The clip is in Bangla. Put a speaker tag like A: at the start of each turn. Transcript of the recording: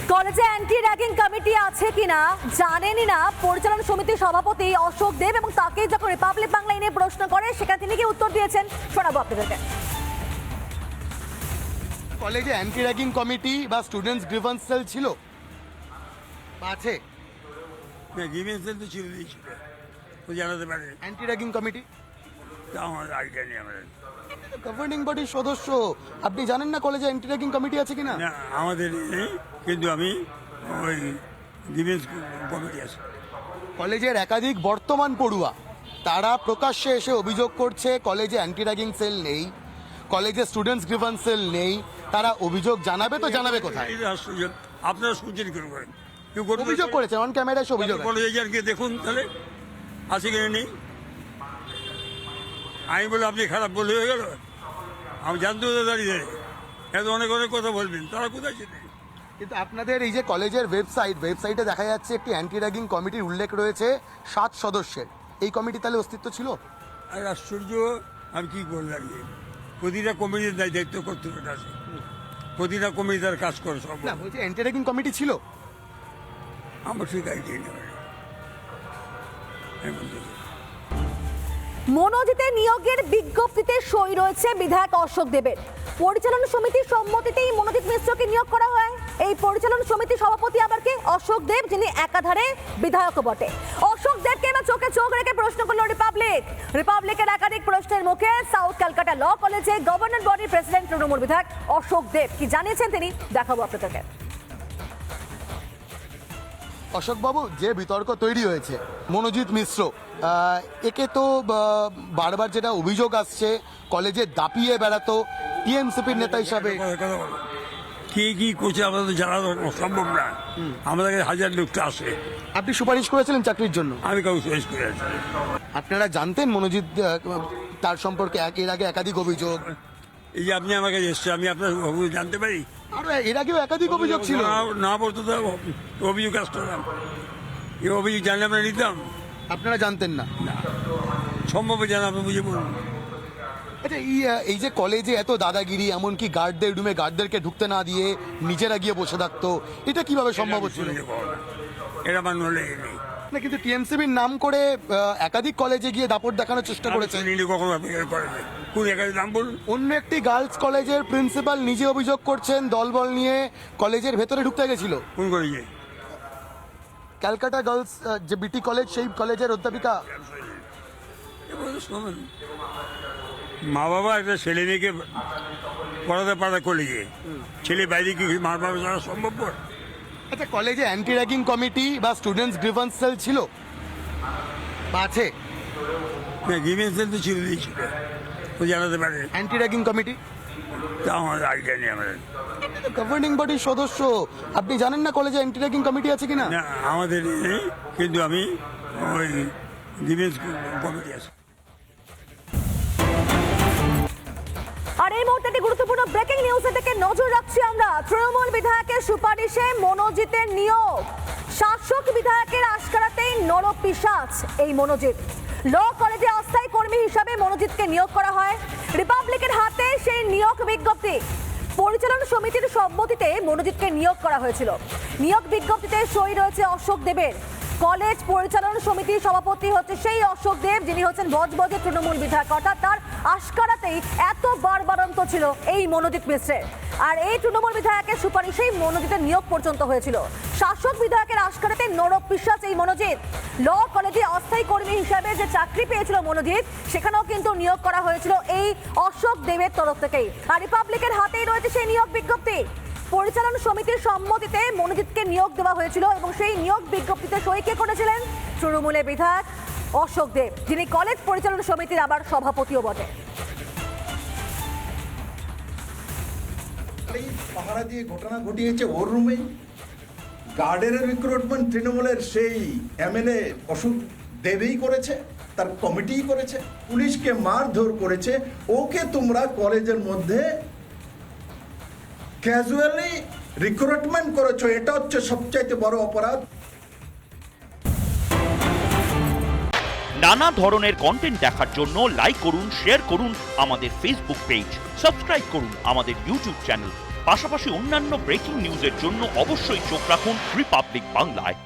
A: কলেজে অ্যান্টি র্যাগিং কমিটি আছে কিনা জানেনই না পরিচালনা সমিতির সভাপতি অশোক দেব, এবং তাকে যখন রিপাবলিক বাংলা নিয়ে প্রশ্ন করে সেখানে তিনি কি উত্তর দিয়েছেন শোনাবো আপনাদেরকে।
B: কলেজে অ্যান্টি র্যাগিং কমিটি বা স্টুডেন্টস গ্রিভেন্স সেল ছিল বা আছে?
C: না, গ্রিভেন্স সেল তো ছিল ও জানাতে পারে।
B: অ্যান্টি র্যাগিং কমিটি
C: তা আমার আইডিয়া নেই আমার।
B: গভর্নিং বডির সদস্য, আপনি জানেন না কলেজে অ্যান্টি র্যাগিং কমিটি আছে কিনা?
C: না, আমাদের নেই, কিন্তু আমি ওই গ্রিভেন্স কমিটি আছে।
B: কলেজের একাধিক বর্তমান পড়ুয়া তারা প্রকাশ্যে এসে অভিযোগ করছে কলেজে অ্যান্টি র্যাগিং সেল নেই, কলেজে স্টুডেন্টস গ্রিভেন্স সেল নেই। তারা অভিযোগ জানাবে তো জানাবে কোথায়?
C: এটা আশ্চর্য। আপনারা শুনছেন কেন করেন? কেউ করতে
B: অভিযোগ করেছে, অন ক্যামেরায় এসে অভিযোগ আছে।
C: কলেজে যান, গিয়ে দেখুন তাহলে আছে কিনা নেই। আমি বলে আপনি খারাপ বলে হয়ে গেল? আমি জানতে হতো দাঁড়িয়ে এত অনেক অনেক কথা বলবেন, তারা কোথায় ছিলেন?
B: কিন্তু আপনাদের এই যে কলেজের ওয়েবসাইটে দেখা যাচ্ছে একটি অ্যান্টি র্যাগিং কমিটির উল্লেখ রয়েছে 7 সদস্যের। এই কমিটি তাহলে অস্তিত্ব ছিল?
C: আর আশ্চর্য, আমি কি করে দাঁড়িয়ে প্রতিটা কমিটির দায়িত্ব কর্তৃপক্ষ আছে, প্রতিটা কমিটি তার কাজ করে সব।
B: না, বলছি অ্যান্টি র্যাগিং কমিটি ছিল।
C: আমার ঠিক আইডিয়া নেই।
A: মনোজিতের নিয়োগের বিজ্ঞপ্তিতে সই রয়েছে বিধায়ক অশোক দেবের। পরিচালনা সমিতির সম্মতিতেই মনোজিৎ মিশ্রকে নিয়োগ করা হয়। এই পরিচালনা সমিতির সভাপতি আবার কে? অশোক দেব, যিনি একাধারে বিধায়কও বটে। অশোক দেবকে এবার চোখে চোখ রেখে প্রশ্ন করলো রিপাবলিকের একাধিক প্রশ্নের মুখে সাউথ ক্যালকাটা ল কলেজে গভর্নর বডির প্রেসিডেন্ট তৃণমূল বিধায়ক অশোক দেব কি জানিয়েছেন তিনি দেখাবো আপনাদেরকে।
B: অশোকবাবু, যে বিতর্ক তৈরি হয়েছে মনোজিৎ মিশ্র, একে তো বারবার যেটা অভিযোগ আসছে কলেজে দাপিয়ে বেড়াতো টিএমসিপির নেতা হিসাবে।
C: কথা বলো, কে কি করছে আমাদের জানা সম্ভব না। আমাদের কাছে হাজার লোকটা আসে।
B: আপনি সুপারিশ করেছিলেন চাকরির জন্য?
C: আমি কাউকে সুপারিশ করে আছি।
B: আপনারা জানতেন মনোজিৎ, তার সম্পর্কে এর আগে একাধিক অভিযোগ?
C: এই যে আপনি আমার কাছে এসছে, আমি আপনার অভিযোগ জানতে পারি?
B: আর এর আগেও একাধিক অভিযোগ ছিল।
C: না বলতো তো অভিযোগ আসতো না। এই অভিযোগ জানলে আমরা নিতাম।
B: আপনারা জানতেন না?
C: সম্ভব জানা, আপনি বুঝে বলুন।
B: আচ্ছা, এই যে কলেজে এত দাদাগিরি, এমনকি গার্ডদের রুমে গার্ডদেরকে ঢুকতে না দিয়ে নিজেরা গিয়ে বসে থাকতো, এটা কিভাবে সম্ভব হচ্ছিল?
C: এটা আমার নলেজ নেই।
B: না, কিন্তু টিএমসিবির নাম করে একাধিক কলেজে গিয়ে দাপট দেখানোর চেষ্টা করেছে।
C: কখনো অ্যাপ্লিকেশন করেনি। কোন একাধিক নাম বলুন?
B: অন্য একটি গার্লস কলেজের প্রিন্সিপাল নিজে অভিযোগ করছেন দলবল নিয়ে কলেজের ভেতরে ঢুকতে গেছিল।
C: কোন কলেজে?
B: ক্যালকাটা গার্লস যে বিটি কলেজ, সেই কলেজের অধ্যাপিকা।
C: শোনেন, মা বাবা একটা ছেলে মেয়েকে পড়াতে পারে কলেজে, ছেলে বাইরে কি মার বাবা যাওয়া সম্ভব?
B: আচ্ছা, কলেজে অ্যান্টি র্যাগিং কমিটি বা স্টুডেন্টস গ্রিভেন্স সেল ছিল বা আছে?
C: না, গ্রিভেন্স সেল তো ছিল ও জানাতে পারে।
B: অ্যান্টি র্যাগিং কমিটি
C: তা আমার আইডিয়া নেই আমার।
B: গভর্নিং বডির সদস্য, আপনি জানেন না কলেজে অ্যান্টি র্যাগিং কমিটি আছে কিনা?
C: না, আমাদের নেই, কিন্তু আমি ওই গ্রিভেন্স কমিটি আছে।
A: আর এই মুহূর্তে একটি গুরুত্বপূর্ণ ব্রেকিং নিউজের দিকে নজর রাখছি আমরা। তৃণমূল বিধায়কের সুপারিশে মনোজিতের নিয়োগ। শাসক বিধায়কের আশকারাতেই নরপিশাচ এই মনোজিৎ। ল কলেজে অস্থায়ী কর্মী হিসাবে মনোজিৎকে নিয়োগ করা হয়। রিপাবলিকের হাতে সেই নিয়োগ বিজ্ঞপ্তি। পরিচালনা সমিতির সম্মতিতে মনোজিৎকে নিয়োগ করা হয়েছিল। নিয়োগ বিজ্ঞপ্তিতে সই রয়েছে অশোক দেবের। কলেজ পরিচালনা সমিতির সভাপতি হচ্ছে সেই অশোক দেব, যিনি হচ্ছেন বজবজের তৃণমূল বিধায়ক। অর্থাৎ তার আশকারাতেই এত বারবারন্ত ছিল এই মনোজিৎ মিশ্রের। আর এই তৃণমূল বিধায়কের সুপারিশেই মনোজিতের নিয়োগ পর্যন্ত হয়েছিল। শাসক বিধায়কের আশকারাতে নরপিশাচ এই মনোজিৎ। ল কলেজে অস্থায়ী কর্মী হিসাবে যে চাকরি পেয়েছিল মনোজিৎ, সেখানেও কিন্তু নিয়োগ করা হয়েছিল এই অশোক দেবের তরফ থেকেই। আর রিপাবলিকের হাতেই রয়েছে সেই নিয়োগ বিজ্ঞপ্তি। পরিচালনা সমিতির সম্মতিতে মনোজিৎকে নিয়োগ দেওয়া হয়েছিল, এবং সেই নিয়োগ বিজ্ঞপ্তিতে সই কে করেছিলেন? তৃণমূলের বিধায়ক অশোক দেব, যিনি কলেজ পরিচালনা সমিতির আবার সভাপতিও বটে।
D: পাহারা দিয়ে ঘটনা ঘটিয়েছে ওর রুমেই। গার্ডের রিক্রুটমেন্ট তৃণমূলের সেই এমএলএ অশোক দেবই করেছে, তার কমিটিই করেছে। পুলিশকে মারধর করেছে। ওকে তোমরা কলেজের মধ্যে ক্যাজুয়ালি রিক্রুটমেন্ট করেছো, এটা হচ্ছে সবচাইতে বড় অপরাধ।
E: নানা ধরনের কন্টেন্ট দেখার জন্য লাইক করুন, শেয়ার করুন আমাদের ফেসবুক পেজ, সাবস্ক্রাইব করুন আমাদের ইউটিউব চ্যানেল। পাশাপাশি অন্যান্য ব্রেকিং নিউজের জন্য অবশ্যই চোখ রাখুন রিপাবলিক বাংলায়।